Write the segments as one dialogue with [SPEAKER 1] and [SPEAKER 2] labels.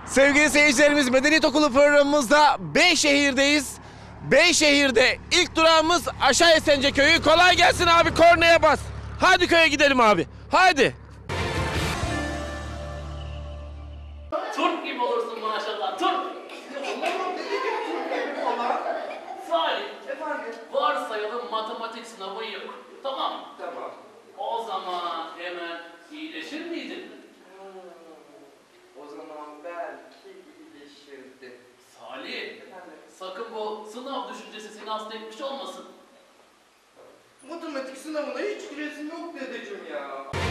[SPEAKER 1] Sevgili seyircilerimiz, Medeniyet Okulu programımızda Beyşehir'deyiz. Beyşehir'de ilk durağımız Aşağı Esence Köyü. Kolay gelsin abi, kornaya bas. Hadi köye gidelim abi. Hadi.
[SPEAKER 2] Turp gibi olursun maşallah, turp. Salih, varsayalım matematik sınavın yok. Tamam mı?
[SPEAKER 3] Tamam.
[SPEAKER 2] O zaman hemen iyileşir miydin?
[SPEAKER 3] O zaman belki iyileşirdim.
[SPEAKER 2] Salih, sakın bu sınav düşüncesi seni hasta etmiş olmasın.
[SPEAKER 3] Matematik sınavına hiç gülesim yok dedeciğim ya.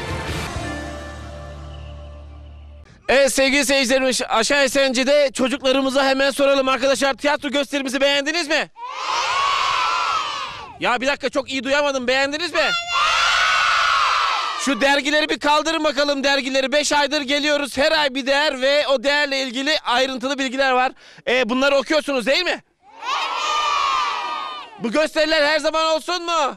[SPEAKER 1] Evet sevgili seyircilerimiz, Aşağı Esence'de çocuklarımıza hemen soralım arkadaşlar. Tiyatro gösterimizi beğendiniz mi? Ya bir dakika, çok iyi duyamadım. Beğendiniz mi? Şu dergileri bir kaldırın bakalım, dergileri. 5 aydır geliyoruz. Her ay bir değer ve o değerle ilgili ayrıntılı bilgiler var. Bunları okuyorsunuz değil mi? Bu gösteriler her zaman olsun mu?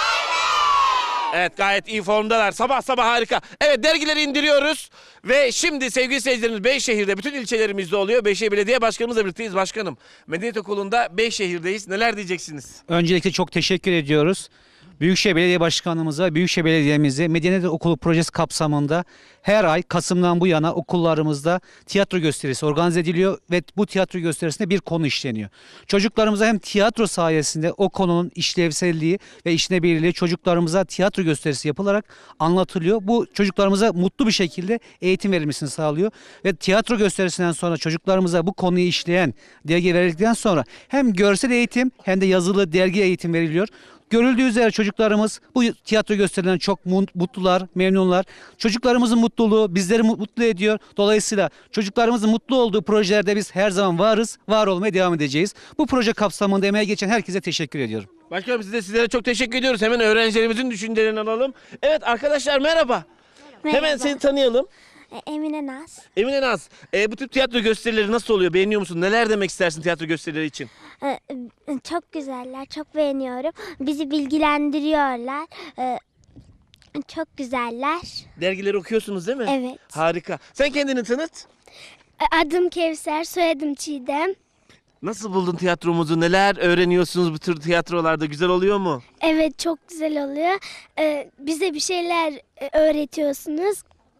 [SPEAKER 1] Evet, gayet iyi formdalar. Sabah sabah harika. Evet, dergileri indiriyoruz. Ve şimdi sevgili seyircilerimiz, Beyşehir'de bütün ilçelerimizde oluyor. Beyşehir Belediye Başkanımızla birlikteyiz. Başkanım, Medeniyet Okulu'nda Beyşehir'deyiz. Neler diyeceksiniz?
[SPEAKER 4] Öncelikle çok teşekkür ediyoruz. Büyükşehir Belediye Başkanımıza, Büyükşehir Belediye'mize Medeniyet Okulu projesi kapsamında her ay Kasım'dan bu yana okullarımızda tiyatro gösterisi organize ediliyor ve bu tiyatro gösterisinde bir konu işleniyor. Çocuklarımıza hem tiyatro sayesinde o konunun işlevselliği ve işlevselliği çocuklarımıza tiyatro gösterisi yapılarak anlatılıyor. Bu çocuklarımıza mutlu bir şekilde eğitim verilmesini sağlıyor ve tiyatro gösterisinden sonra çocuklarımıza bu konuyu işleyen dergi verildikten sonra hem görsel eğitim hem de yazılı dergi eğitim veriliyor. Görüldüğü üzere çocuklarımız bu tiyatro gösterilerinden çok mutlular, memnunlar. Çocuklarımızın mutluluğu bizleri mutlu ediyor. Dolayısıyla çocuklarımızın mutlu olduğu projelerde biz her zaman varız, var olmaya devam edeceğiz. Bu proje kapsamında emeğe geçen herkese teşekkür ediyorum.
[SPEAKER 1] Başkanım, sizlere çok teşekkür ediyoruz. Hemen öğrencilerimizin düşüncelerini alalım. Evet arkadaşlar, merhaba. Hemen seni tanıyalım.
[SPEAKER 5] Emine Naz.
[SPEAKER 1] Emine Naz, bu tip tiyatro gösterileri nasıl oluyor? Beğeniyor musun? Neler demek istersin tiyatro gösterileri için?
[SPEAKER 5] Çok güzeller, çok beğeniyorum. Bizi bilgilendiriyorlar. Çok güzeller.
[SPEAKER 1] Dergileri okuyorsunuz değil mi?
[SPEAKER 5] Evet.
[SPEAKER 1] Harika. Sen kendini tanıt.
[SPEAKER 5] Adım Kevser, soyadım Çiğdem.
[SPEAKER 1] Nasıl buldun tiyatromuzu? Neler öğreniyorsunuz bu tür tiyatrolarda? Güzel oluyor mu?
[SPEAKER 5] Evet, çok güzel oluyor. Bize bir şeyler öğretiyorsunuz.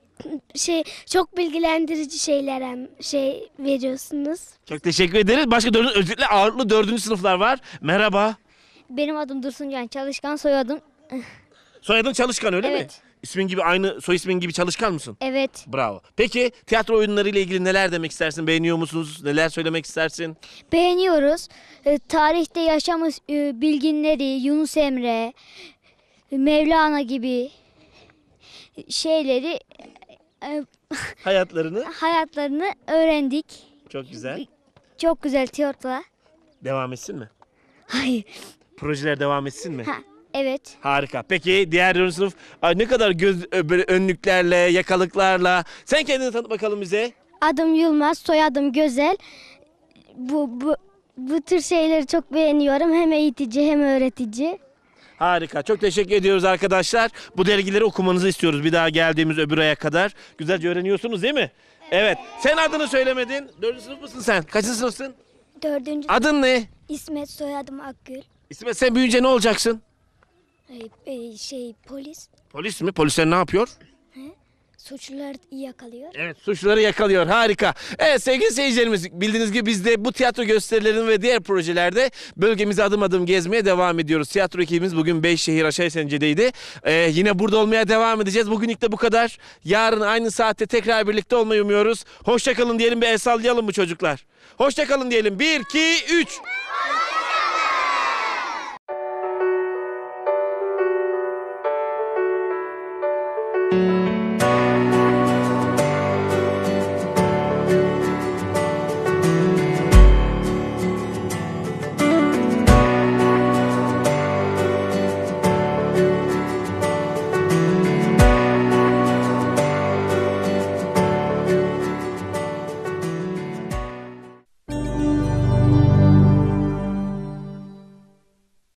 [SPEAKER 5] Çok bilgilendirici şeyler veriyorsunuz.
[SPEAKER 1] Çok teşekkür ederiz. Başka özellikle ağırlıklı 4. sınıflar var. Merhaba.
[SPEAKER 5] Benim adım Dursuncan Çalışkan, soyadım.
[SPEAKER 1] Soyadın Çalışkan, öyle mi?
[SPEAKER 5] Evet.
[SPEAKER 1] İsmin gibi, aynı soy ismin gibi çalışkan mısın?
[SPEAKER 5] Evet.
[SPEAKER 1] Bravo. Peki tiyatro oyunları ile ilgili neler demek istersin? Beğeniyor musunuz? Neler söylemek istersin?
[SPEAKER 5] Beğeniyoruz. Tarihte yaşamış bilginleri, Yunus Emre, Mevlana gibi şeyleri, hayatlarını öğrendik.
[SPEAKER 1] Çok güzel.
[SPEAKER 5] Çok güzel tiyatro.
[SPEAKER 1] Devam etsin mi?
[SPEAKER 5] Hayır.
[SPEAKER 1] Projeler devam etsin mi?
[SPEAKER 5] Evet.
[SPEAKER 1] Harika. Peki diğer 4. sınıf ne kadar böyle önlüklerle, yakalıklarla. Sen kendini tanıt bakalım bize.
[SPEAKER 5] Adım Yılmaz, soyadım Gözel. Bu tür şeyleri çok beğeniyorum. Hem eğitici hem öğretici.
[SPEAKER 1] Harika. Çok teşekkür ediyoruz arkadaşlar. Bu dergileri okumanızı istiyoruz bir daha geldiğimiz öbür aya kadar. Güzelce öğreniyorsunuz değil mi? Evet. Sen adını söylemedin. 4. sınıf mısın sen? Kaçıncı sınıfsın?
[SPEAKER 5] 4.
[SPEAKER 1] Adın ne?
[SPEAKER 5] İsmet, soyadım Akgül.
[SPEAKER 1] İsmet, sen büyüyünce ne olacaksın?
[SPEAKER 5] Polis.
[SPEAKER 1] Polis mi? Polisler ne yapıyor?
[SPEAKER 5] Suçluları yakalıyor.
[SPEAKER 1] Evet, suçluları yakalıyor. Harika. Evet sevgili seyircilerimiz, bildiğiniz gibi biz de bu tiyatro gösterilerinin ve diğer projelerde bölgemizi adım adım gezmeye devam ediyoruz. Tiyatro ekibimiz bugün Beyşehir Aşağı Esence'deydi. Yine burada olmaya devam edeceğiz. Bugünlük de bu kadar. Yarın aynı saatte tekrar birlikte olmayı umuyoruz. Hoşça kalın diyelim, bir el sallayalım mı çocuklar? Hoşça kalın diyelim. 1, 2, 3.